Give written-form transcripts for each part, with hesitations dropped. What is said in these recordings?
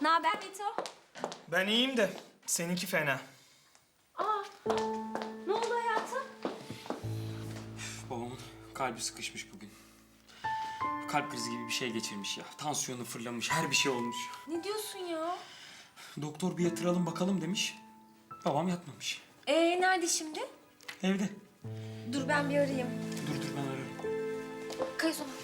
Ne haber Mito? Ben iyiyim de seninki fena. Aa, ne oldu hayatım? Babamın kalbi sıkışmış bugün. Kalp krizi gibi bir şey geçirmiş ya. Tansiyonu fırlamış, her bir şey olmuş. Ne diyorsun ya? Doktor bir yatıralım bakalım demiş. Babam yatmamış. Nerede şimdi? Evde. Dur ben bir arayayım. Dur ben ararım. Kayıt ona.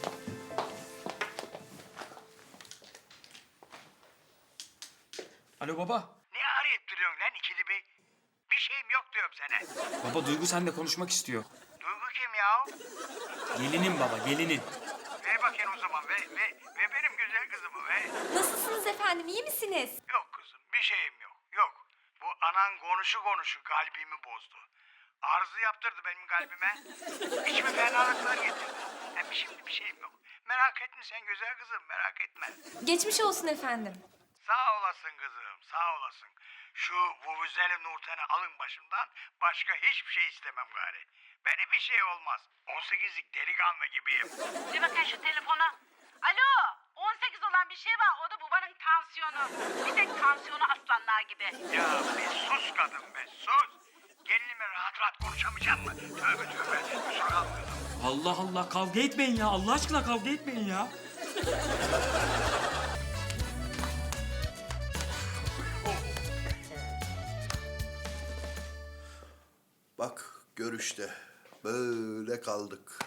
Alo baba. Ne arayıp duruyorsun lan ikili bir? Bir şeyim yok diyorum sana. Baba Duygu seninle konuşmak istiyor. Duygu kim ya? Gelinin baba, gelinin. Ver bakayım o zaman ve benim güzel kızımı ve. Nasılsınız efendim? İyi misiniz? Yok kızım bir şeyim yok. Yok. Bu anan konuşu kalbimi bozdu. Arızı yaptırdı benim kalbime. İçime fenalıklar getirdi. Hem şimdi bir şeyim yok. Merak etme sen güzel kızım merak etme. Geçmiş olsun efendim. Sağ olasın kızım sağ olasın. Şu vuvuzeli Nurten'i alın başımdan başka hiçbir şey istemem gari. Bana bir şey olmaz. 18'lik delikanlı gibiyim. Bir bakın şu telefona. Alo, 18 olan bir şey var. O da babanın tansiyonu. Bir tek tansiyonu aslanlar gibi. Ya bir sus kadın be sus. Gelinime rahat konuşamayacak mı? Tövbe tövbe. Kusura kalma kızım. Allah Allah, kavga etmeyin ya. Allah aşkına kavga etmeyin ya. Bak görüşte böyle kaldık.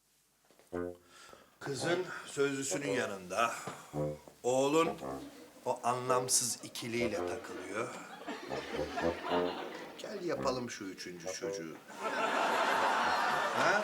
Kızın sözlüsünün yanında. Oğlun o anlamsız ikiliyle takılıyor. Gel yapalım şu üçüncü çocuğu. Ha?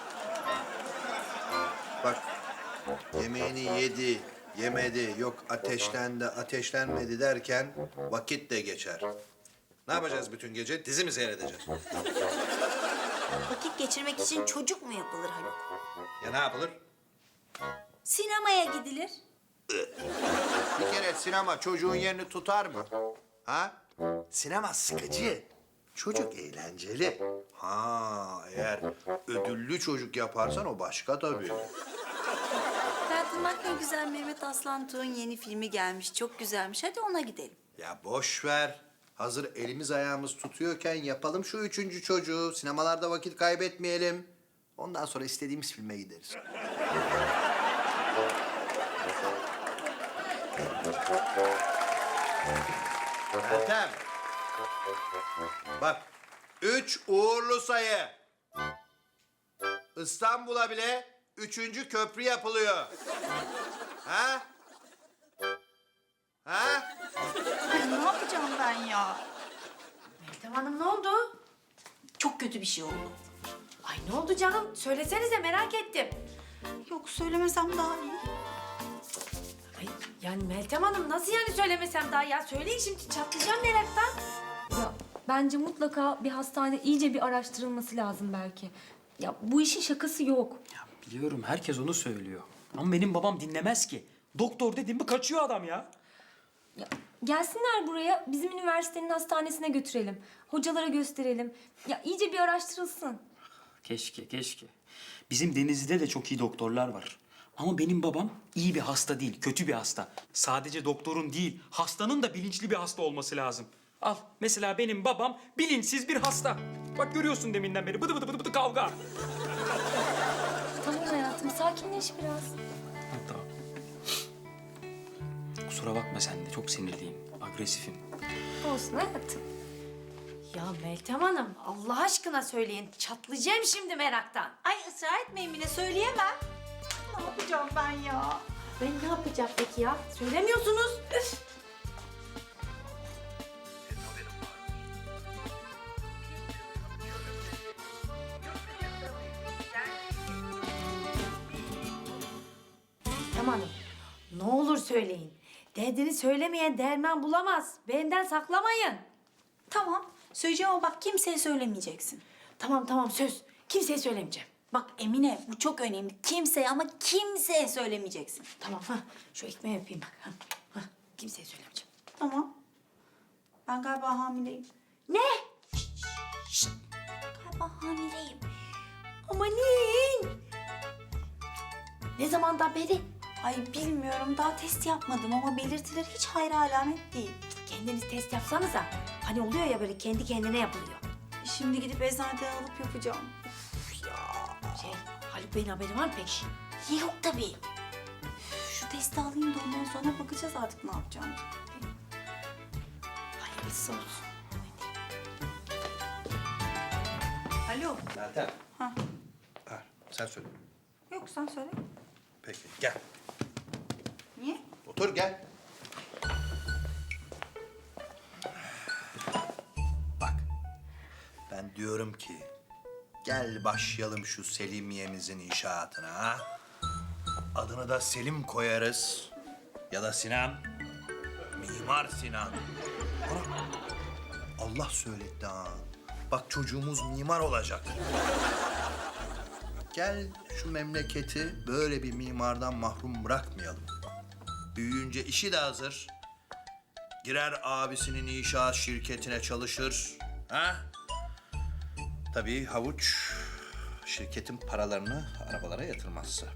Bak yemeğini yedi, yemedi, yok ateşlendi, ateşlenmedi derken vakit de geçer. Ne yapacağız bütün gece? Dizi mi seyredeceğiz? Vakit geçirmek için çocuk mu yapılır Haluk? Ya ne yapılır? Sinemaya gidilir. Bir kere sinema çocuğun yerini tutar mı? Ha? Sinema sıkıcı. Çocuk eğlenceli. Ha, eğer ödüllü çocuk yaparsan o başka tabii. Hayatım bak ne güzel Mehmet Aslan Tuğ'un yeni filmi gelmiş. Çok güzelmiş. Hadi ona gidelim. Ya boş ver. Hazır elimiz ayağımız tutuyorken yapalım şu üçüncü çocuğu. Sinemalarda vakit kaybetmeyelim. Ondan sonra istediğimiz filme gideriz. Meltem. Bak, 3 uğurlu sayı. İstanbul'a bile 3. köprü yapılıyor. Ha? Ha? Ay, ne yapacağım ben ya? Meltem Hanım ne oldu? Çok kötü bir şey oldu. Ay ne oldu canım? Söylesenize merak ettim. Yok söylemesem daha iyi. Ay yani Meltem Hanım nasıl yani söylemesem daha ya? Söyleyin şimdi çatlayacağım meraktan. Ya bence mutlaka bir hastane iyice bir araştırılması lazım belki. Ya bu işin şakası yok. Ya biliyorum, herkes onu söylüyor. Ama benim babam dinlemez ki. Doktor dedim mi kaçıyor adam ya. Ya gelsinler buraya, bizim üniversitenin hastanesine götürelim. Hocalara gösterelim. Ya iyice bir araştırılsın. Keşke. Bizim Denizli'de de çok iyi doktorlar var. Ama benim babam iyi bir hasta değil, kötü bir hasta. Sadece doktorun değil, hastanın da bilinçli bir hasta olması lazım. Al, mesela benim babam bilinçsiz bir hasta. Bak görüyorsun deminden beri bıdı bıdı kavga. Tamam hayatım, sakinleş biraz. Ha, tamam. Kusura bakma sen de, çok sinirliyim, agresifim. Olsun hayatım. Ya Meltem Hanım Allah aşkına söyleyin. Çatlayacağım şimdi meraktan. Ay ısrar etmeyin bile söyleyemem. Ne yapacağım ben ya? Ben ne yapacağım peki ya? Söylemiyorsunuz. Üf. Meltem Hanım ne olur söyleyin. Derdini söylemeyen derman bulamaz. Benden saklamayın. Tamam söyleyeceğim ama bak kimseye söylemeyeceksin. Tamam söz. Kimseye söylemeyeceğim. Bak Emine bu çok önemli. Kimseye ama kimseye söylemeyeceksin. Tamam şu ekmeği öpeyim bak. Kimseye söylemeyeceğim. Tamam. Ben galiba hamileyim. Ne? Galiba hamileyim. Amanin. Ne zamandan beri? Ay bilmiyorum daha test yapmadım ama belirtiler hiç hayra alamet değil. Kendiniz test yapsanıza. Hani oluyor ya böyle kendi kendine yapılıyor. Şimdi gidip eczaneden alıp yapacağım. Haluk Bey'in haberi var mı peki? Yok tabii. Şu testi alayım da ondan sonra bakacağız artık ne yapacağımız. Hayırlısı olsun. Alo. Meltem. Ha. Ha, sen söyle. Yok sen söyle. Peki gel. Niye? Otur gel. Bak. Ben diyorum ki gel başlayalım şu Selimiye'mizin inşaatına ha. Adını da Selim koyarız. Ya da Sinan. Mimar Sinan. Ana, Allah söyletti ha. Bak çocuğumuz mimar olacak. Gel şu memleketi böyle bir mimardan mahrum bırakmayalım. Büyüyünce işi de hazır. Girer abisinin inşaat şirketine çalışır. Ha? Tabii havuç şirketin paralarını arabalara yatırmazsa.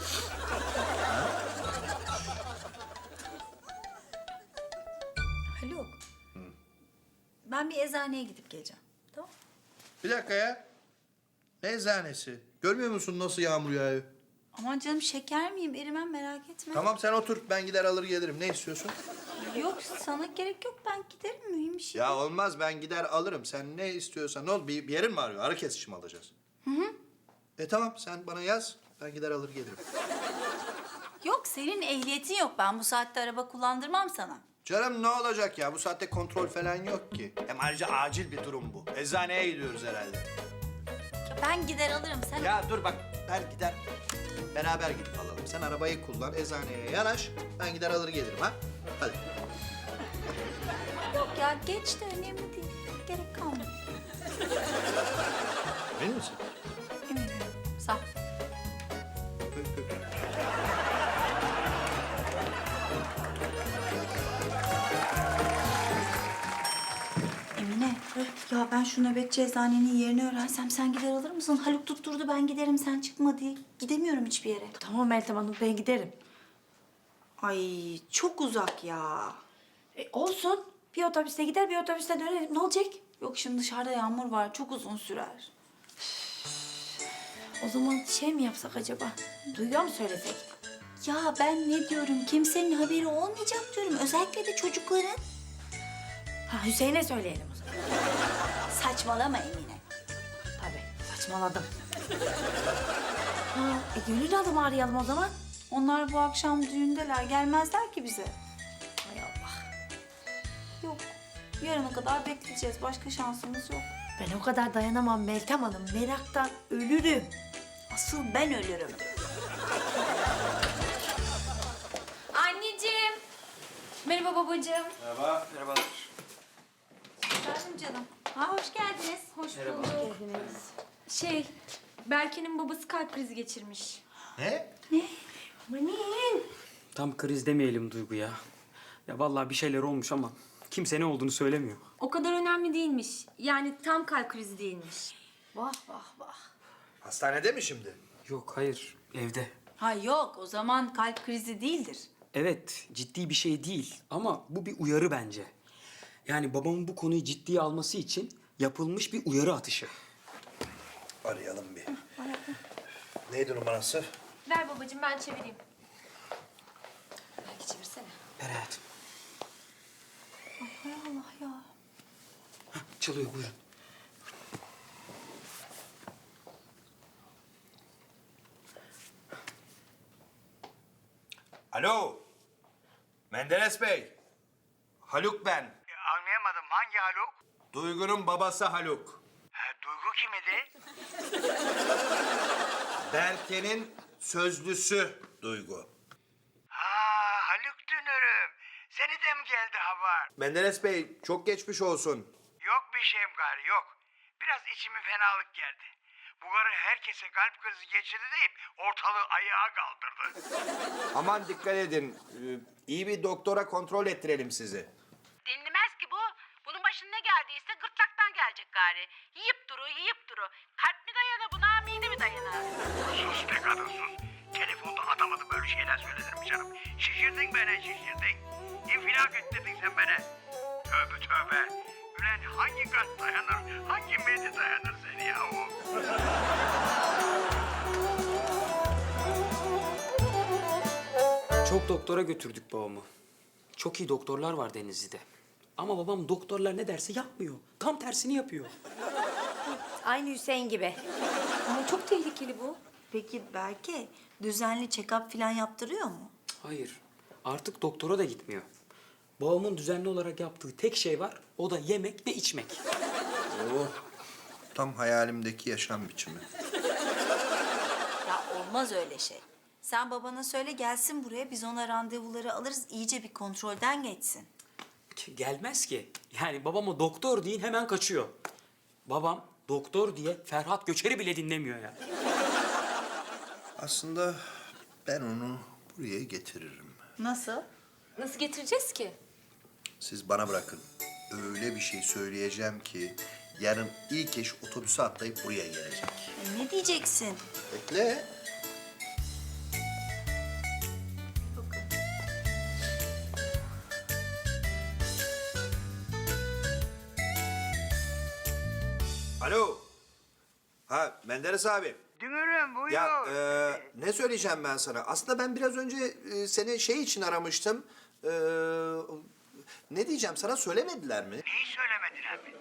Haluk. Ben bir eczaneye gidip geleceğim. Tamam. Bir dakika ya. Ne eczanesi? Görmüyor musun nasıl yağmur yağıyor? Aman canım şeker miyim? Erimem merak etme. Tamam sen otur. Ben gider alır gelirim. Ne istiyorsun? Yok sana gerek yok. Ben giderim mühim bir şey. Ya olmaz ben gider alırım. Sen ne istiyorsan. Ne oldu? Bir yerin mi ağrıyor? Ağrı kesici mi alacağız? Tamam sen bana yaz. Ben gider alır gelirim. Yok senin ehliyetin yok. Ben bu saatte araba kullandırmam sana. Canım ne olacak ya? Bu saatte kontrol falan yok ki. Hem ayrıca acil bir durum bu. Eczaneye gidiyoruz herhalde. Ya ben gider alırım. Sen Ya dur bak ben gider. Beraber gidip alalım. Sen arabayı kullan, eczaneye yanaş. Ben gider alır gelirim ha. Hadi. yok ya geç de önemli değil. Gerek kalmadı. Emin misin? Eminim. Sağ ol. Emine, ya ben şu nöbetçi eczanenin yerini öğrensem sen gider alır mısın? Haluk tutturdu ben giderim sen çıkma diye. Gidemiyorum hiçbir yere. Tamam Meltem Hanım ben giderim. Ay çok uzak ya. Olsun. Bir otobüste gider bir otobüste dönerim. Ne olacak? Yok şimdi dışarıda yağmur var çok uzun sürer. O zaman şey mi yapsak acaba? Duyuyor mu söylesek? Ya ben ne diyorum kimsenin haberi olmayacak diyorum. Özellikle de çocukların. Ha Hüseyin'e söyleyelim o zaman. Saçmalama Emine. Tabii saçmaladım. Gönül Hanım'ı arayalım o zaman. Onlar bu akşam düğündeler gelmezler ki bize. Hay Allah. Yok yarına kadar bekleyeceğiz başka şansımız yok. Ben o kadar dayanamam Meltem Hanım. Meraktan ölürüm. Asıl ben ölürüm. Anneciğim. Merhaba babacığım. Merhaba. Merhabalar. Efendim canım. Ha hoş geldiniz. Hoş bulduk. Berke'nin babası kalp krizi geçirmiş. Ne? Amanın. Tam kriz demeyelim Duygu ya. Ya vallahi bir şeyler olmuş ama kimse ne olduğunu söylemiyor. O kadar önemli değilmiş. Yani tam kalp krizi değilmiş. Vah vah vah. Hastanede mi şimdi? Yok hayır evde. Ha yok o zaman kalp krizi değildir. Evet ciddi bir şey değil ama bu bir uyarı bence. Yani babamın bu konuyu ciddiye alması için yapılmış bir uyarı atışı. Arayalım bir. Neydi numarası? Ver babacığım ben çevireyim. Belki çevirsene. Ver hayatım. Hay Allah ya. Çalıyor buyurun. Alo. Menderes Bey. Haluk ben. Anlayamadım hangi Haluk? Duygu'nun babası Haluk. Duygu kim idi? Berke'nin sözlüsü Duygu. Haluk dünürüm. Seni de mi geldi haber? Menderes Bey çok geçmiş olsun. Yok bir şeyim gari yok. Biraz içime fenalık geldi. Bu karı herkese kalp krizi geçirdi deyip ortalığı ayağa kaldırdı. Aman dikkat edin. İyi bir doktora kontrol ettirelim sizi. Dinlemez ki bu. Bunun başına ne geldiyse gırtlaktan gelecek gari. Yiyip duru. Kalp mi dayana buna, mide mi dayana? Sus be kadın sus. Telefonda adamadı böyle bir şeyler söyledim canım. Şişirdin beni, şişirdin. İnfilak ettirdin sen beni. Tövbe tövbe. Ulan hangi kalp dayanır, hangi mide dayanır seni yahu? Çok doktora götürdük babamı. Çok iyi doktorlar var Denizli'de. Ama babam doktorlar ne derse yapmıyor. Tam tersini yapıyor. Aynı Hüseyin gibi. Ama çok tehlikeli bu. Peki Berke düzenli check-up falan yaptırıyor mu? Hayır. Artık doktora da gitmiyor. Babamın düzenli olarak yaptığı tek şey var. O da yemek ve içmek. Oh, tam hayalimdeki yaşam biçimi. Ya olmaz öyle şey. Sen babana söyle gelsin buraya biz ona randevuları alırız iyice bir kontrolden geçsin. Gelmez ki. Yani babama doktor deyin hemen kaçıyor. Babam doktor diye Ferhat Göçer'i bile dinlemiyor ya. Aslında ben onu buraya getiririm. Nasıl? Nasıl getireceğiz ki? Siz bana bırakın. Öyle bir şey söyleyeceğim ki yarın ilk eş otobüse atlayıp buraya gelecek. Ne diyeceksin? Bekle. Alo. Ha Menderes abi. Dünürüm buyur. Ya ne söyleyeceğim ben sana? Aslında ben biraz önce seni şey için aramıştım. Ne diyeceğim sana söylemediler mi? Neyi söylemediler mi?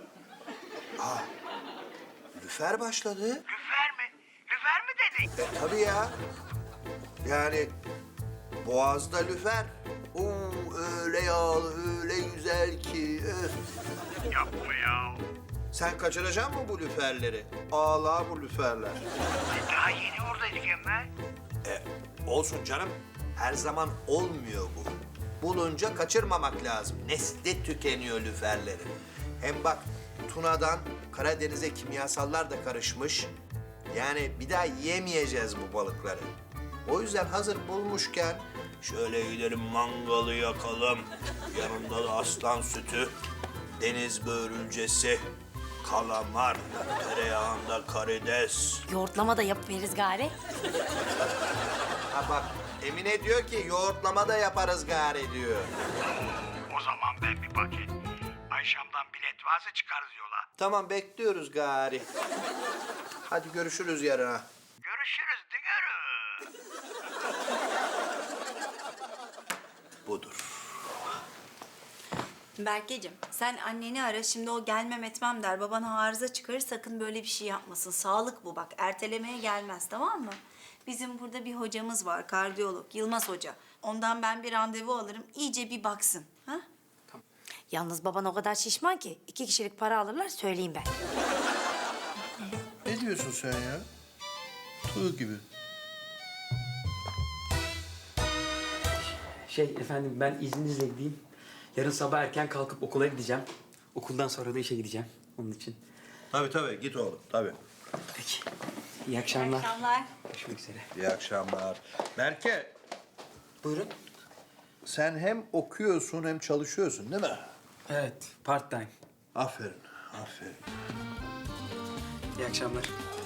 Lüfer başladı. Lüfer mi? Lüfer mi dedin? Tabii ya. Yani boğazda lüfer. Oo, öyle yağlı, öyle güzel ki. Öf. Yapma ya. Sen kaçıracaksın mı bu lüferleri? Ağla bu lüferler. Daha yeni oradaydık Emre. Olsun canım. Her zaman olmuyor bu. Bulunca kaçırmamak lazım. Nesli tükeniyor lüferlerin. Hem bak Tuna'dan Karadeniz'e kimyasallar da karışmış. Yani bir daha yemeyeceğiz bu balıkları. O yüzden hazır bulmuşken şöyle gidelim mangalı yakalım. Yanında da aslan sütü, deniz börülcesi, kalamar, tereyağında karides. Yoğurtlama da yapıveririz gari. Ha bak Emine diyor ki yoğurtlama da yaparız gari diyor. O zaman ben bir paket Ayşam'dan bilet varsa çıkarız yola. Tamam bekliyoruz gari. Hadi görüşürüz yarına. Görüşürüz dünürüm. Budur. Berkeciğim sen anneni ara şimdi o gelmem etmem der. Baban arıza çıkarır sakın böyle bir şey yapmasın. Sağlık bu bak ertelemeye gelmez tamam mı? Bizim burada bir hocamız var kardiyolog Yılmaz Hoca. Ondan ben bir randevu alırım iyice bir baksın. Ha? Yalnız baban o kadar şişman ki 2 kişilik para alırlar söyleyeyim ben. Ne diyorsun sen ya? Tuğ gibi. Efendim ben izninizle gideyim. Yarın sabah erken kalkıp okula gideceğim. Okuldan sonra da işe gideceğim onun için. Tabii git oğlum tabii. Peki. İyi akşamlar. Akşamlar. Görüşmek üzere. İyi akşamlar. Berke Buyurun. sen hem okuyorsun hem çalışıyorsun değil mi? Evet, part time. Aferin. İyi akşamlar.